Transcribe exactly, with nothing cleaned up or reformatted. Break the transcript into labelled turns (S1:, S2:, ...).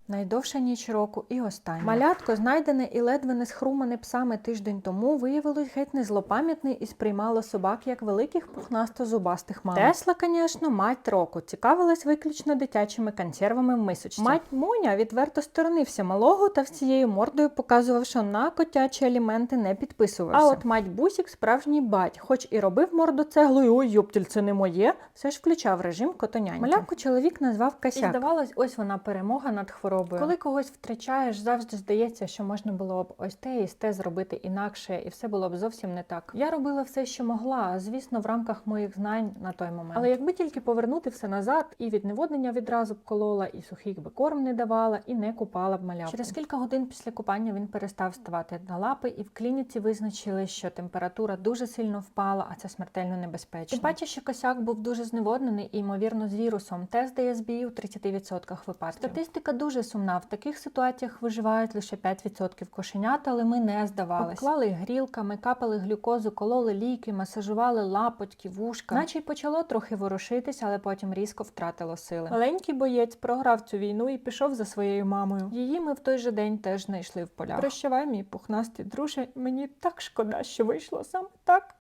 S1: Найдовша ніч року і остання. Малятко, знайдене і ледве не схрумане псами тиждень тому, виявилось геть не злопам'ятний і сприймало собак як великих пухнасто-зубастих мам. Тесла, звісно, мать року, цікавилась виключно дитячими консервами в мисочці. Мать Моня відверто сторонився малого та всією мордою показував, що на котячі аліменти не підписувався. А от мать Бусік справжній бать, хоч і робив морду цеглою, ой, йоптіль, це не моє, все ж включав режим котоняньки. Малявку чоловік назвав Косяк. І здавалось, ось вона перемога над хворобою. Коли когось втрачаєш, завжди здається, що можна було б ось те і те зробити інакше, і все було б зовсім не так. Я робила все, що могла, звісно, в рамках моїх знань на той момент. Але якби тільки повернути все назад, і від неводнення відразу б колола, і сухих би корм не давала, і не купала б малявку. Через кілька годин після купання він перестав ставати на лапи, і в клініці визначили, що температура дуже сильно впала, а це смертельно небезпечно. Тим паче, що Косяк був дуже зневоднений і, ймовірно, з вірусом. Тест дає збій у тридцяти відсотках випадків. Статистика дуже сумна. В таких ситуаціях виживають лише п'ять відсотків кошенят, але ми не здавалися. Обклали грілками, капали глюкозу, кололи ліки, масажували лапотьки, вушка. Наче й почало трохи ворушитись, але потім різко втратило сили. Маленький боєць програв цю війну і пішов за своєю мамою. Її ми в той же день теж знайшли в полях. Прощавай, мій пухнастий друже, мені так шкода, що вийшло саме так.